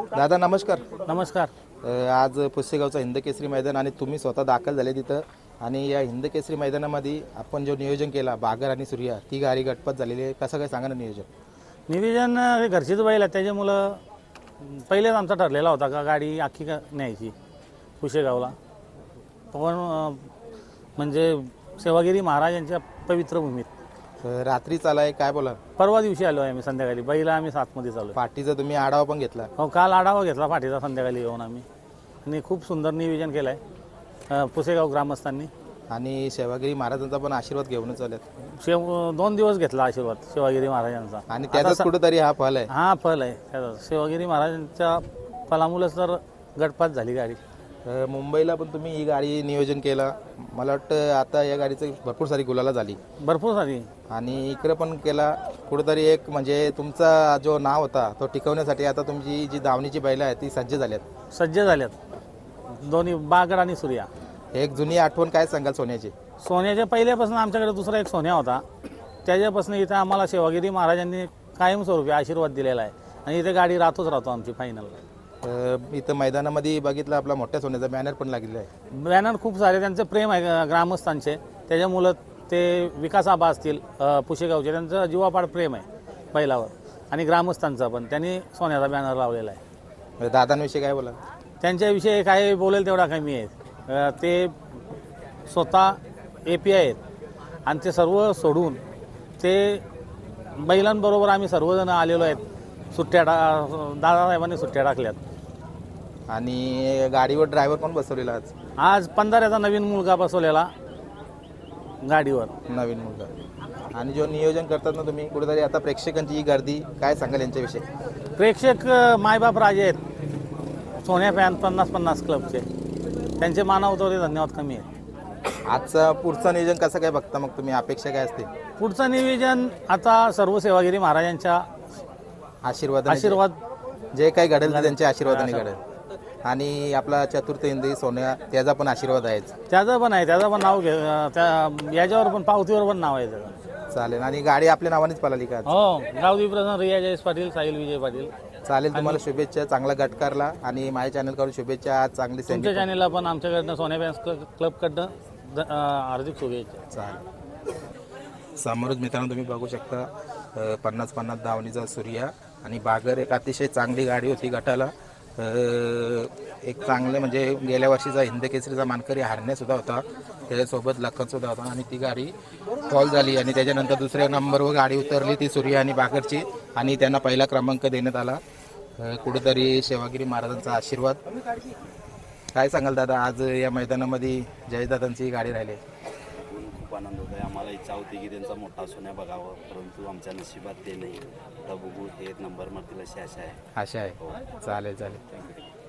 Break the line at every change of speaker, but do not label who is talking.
दादा नमस्कार.
नमस्कार.
आज पुसेगावचा हिंदकेसरी मैदान आणि तुम्ही स्वतः दाखल झाले तिथं आणि या हिंदकेसरी मैदानामध्ये आपण जो नियोजन केला बागर आणि सूर्या ती गाडी गटपत झालेली आहे. कसं काय सांगा ना
नियोजन हे घरचीच बैल आहे त्याच्यामुळं पहिलेच आमचा ठरलेला होता का गाडी आखी न्यायची पुशेगावला. पण म्हणजे सेवागिरी महाराजांच्या पवित्र भूमीत
रात्री चालाय काय बोला.
परवा दिवशी आलो आहे आम्ही संध्याकाळी. बैला आम्ही 7मध्ये चालू.
पाठीचा तुम्ही आढावा पण घेतला.
हो, काल आढावा घेतला पाठीचा संध्याकाळी येऊन आम्ही आणि खूप सुंदर नियोजन केलं आहे पुसेगाव ग्रामस्थांनी.
आणि सेवागिरी महाराजांचा पण आशीर्वाद घेऊनच आल्यात.
2 दिवस घेतला आशीर्वाद शिवागिरी महाराजांचा
आणि त्याचाच कुठेतरी हा फल आहे.
हा फल आहे त्याचा. शिवागिरी महाराजांच्या फलामुळेच तर गटपात झाली गाडी.
मुंबईला पण तुम्ही ही गाडी नियोजन केला. मला वाटतं आता या गाडीचं भरपूर सारी गुलाला झाली.
भरपूर सारी.
आणि इकडे पण केला कुठेतरी एक म्हणजे तुमचा जो नाव होता तो टिकवण्यासाठी आता तुमची जी दावणीची बैलं आहे ती सज्ज झाल्यात. दोन्ही बागड आणि सूर्या. एक जुनी आठवण काय सांगाल सोन्याची.
सोन्याच्या पहिल्यापासून आमच्याकडे दुसरा एक सोन्या होता. त्याच्यापासून इथं आम्हाला शिवागिरी महाराजांनी कायमस्वरूपी आशीर्वाद दिलेला आहे आणि इथे गाडी राहतो आमची फायनल.
इथं मैदानामध्ये बघितलं आपला मोठ्या सोन्याचा बॅनर पण लागलेला आहे.
बॅनर खूप सारे त्यांचे प्रेम आहे ग्रामस्थांचे. त्याच्यामुळं ते विकास आबा असतील पुशेगावचे त्यांचं जीवापाड प्रेम आहे बैलावर आणि ग्रामस्थांचा पण. त्यांनी सोन्याचा बॅनर लावलेला आहे.
दादांविषयी काय बोला.
त्यांच्याविषयी काय बोलेल तेवढा कमी आहे. ते स्वतः API आहेत आणि ते सर्व सोडून ते बैलांबरोबर आम्ही सर्वजण आलेलो आहेत. दादासाहेबांनी सुट्ट्या टाकल्यात.
आणि गाडीवर ड्रायव्हर कोण बसवलेला
आज 15चा नवीन मुलगा बसवलेला गाडीवर.
नवीन मुलगा. आणि जो नियोजन करतात ना तुम्ही कुठेतरी आता प्रेक्षकांची ही गर्दी काय सांगाल यांच्याविषयी.
प्रेक्षक मायबाप राजे आहेत. सोन्या फॅन 50-50 क्लबचे. त्यांचे मानवतो धन्यवाद कमी आहे.
आजचा पुढचं नियोजन कसं काय बघता मग तुम्ही. अपेक्षा काय असते
पुढचं नियोजन आता सर्व सेवागिरी महाराजांच्या आशीर्वाद
जे काही घडेल ते त्यांच्या आशीर्वादाने घडेल. आणि आपला चतुर्थ हिंदी सोन्या त्याचा पण आशीर्वाद आहेच.
त्याचं पण आहे. त्याचं पण नाव याच्यावर पण पावतीवर पण नाव आहे त्याचं.
चालेल. आणि गाडी आपल्या नावानेच पळाली का.
हो, गावदी प्रधान रिया जयेश पाटील, साहिल विजय पाटील.
चालेल. तुम्हाला शुभेच्छा. चांगला गटकारला आणि माझ्या चॅनलकडून शुभेच्छा. आज चांगली
तुमच्या चॅनलला पण आमच्याकडनं सोन्या फॅन्स क्लबकडनं हार्दिक शुभेच्छा.
चालेल. समोरच मित्रांनो तुम्ही बघू शकता 50-50 धावणीचा सूर्या आणि बागर एक अतिशय चांगली गाडी होती गटाला. एक चांगले म्हणजे गेल्या वर्षीचा हिंदकेसरीचा मानकरी हारण्यासुद्धा होता. त्याच्यासोबत लखनसुद्धा होता आणि ती गाडी फॉल झाली आणि त्याच्यानंतर दुसऱ्या नंबरवर गाडी उतरली ती सूर्या आणि बागरची आणि त्यांना पहिला क्रमांक देण्यात आला. कुठेतरी सेवागिरी महाराजांचा आशीर्वाद. काय सांगाल दादा आज या मैदानामध्ये जयदादांची गाडी राहिली.
खूप आनंद होत आहे. आम्हाला इच्छा होती की त्यांचा मोठा सोन्या बघावं परंतु आमच्या नशिबात ते नाही. आता बघू हे नंबर मारतील अशी आशा आहे.
चालेल.